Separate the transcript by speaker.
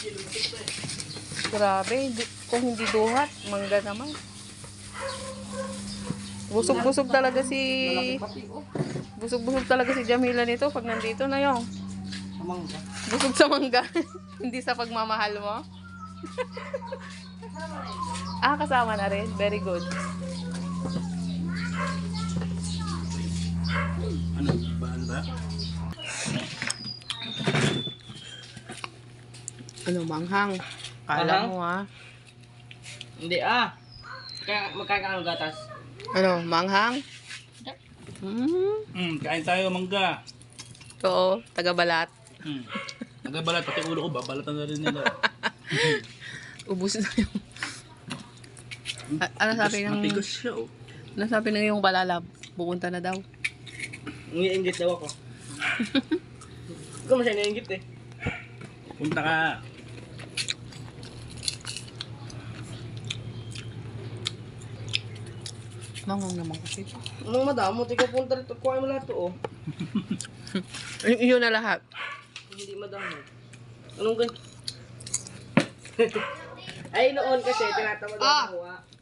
Speaker 1: Grabe, kung hindi duhat, mangga naman. Busog-busog talaga si... Busog-busog talaga si Jamila nito pag nandito na yung. Busog sa mangga. Hindi sa pagmamahal mo. Kasama na rin. Very good.
Speaker 2: Ano ba?
Speaker 1: Ano, manghang? Kala mo
Speaker 3: Hindi Kaya magkakaano gatas?
Speaker 1: Ano, manghang?
Speaker 2: Kain tayo mangga.
Speaker 1: Oo, taga-balat.
Speaker 2: Nagabalat, pati ulo ko, babalatan na rin nila.
Speaker 1: Ubus na yung... ano sabi ng...
Speaker 2: Matigas siya, oh.
Speaker 1: Ano sabi ng yung palalab? Pupunta na daw.
Speaker 3: Ngiingit daw ako. Ikaw masaya naiingit eh.
Speaker 2: Punta ka.
Speaker 1: Manghang naman kasi.
Speaker 3: Anong madamo? Ikaw punta rito. Kuha mo lahat to oh.
Speaker 1: Yun na lahat.
Speaker 3: Hindi madamo. Anong ganyan? Ay noon kasi tinatamad ako kuha.